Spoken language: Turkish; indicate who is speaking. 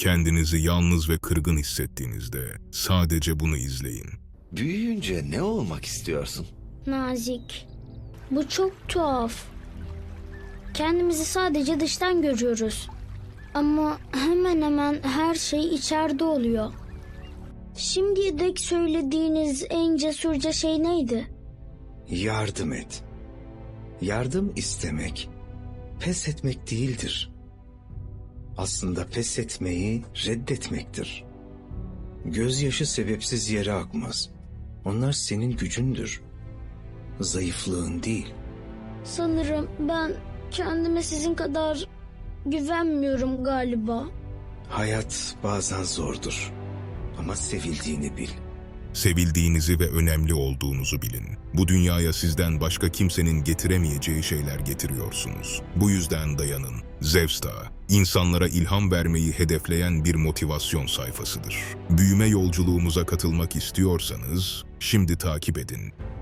Speaker 1: Kendinizi yalnız ve kırgın hissettiğinizde sadece bunu izleyin.
Speaker 2: Büyüyünce ne olmak istiyorsun?
Speaker 3: Nazik. Bu çok tuhaf. Kendimizi sadece dıştan görüyoruz. Ama hemen hemen her şey içeride oluyor. Şimdiye dek söylediğiniz en cesurca şey neydi?
Speaker 4: Yardım et. Yardım istemek, pes etmek değildir. Aslında pes etmeyi reddetmektir. Gözyaşı sebepsiz yere akmaz. Onlar senin gücündür. Zayıflığın değil.
Speaker 3: Sanırım ben kendime sizin kadar güvenmiyorum galiba.
Speaker 4: Hayat bazen zordur. Ama sevildiğini bil.
Speaker 1: Sevildiğinizi ve önemli olduğunuzu bilin. Bu dünyaya sizden başka kimsenin getiremeyeceği şeyler getiriyorsunuz. Bu yüzden dayanın. Zevsta, insanlara ilham vermeyi hedefleyen bir motivasyon sayfasıdır. Büyüme yolculuğumuza katılmak istiyorsanız, şimdi takip edin.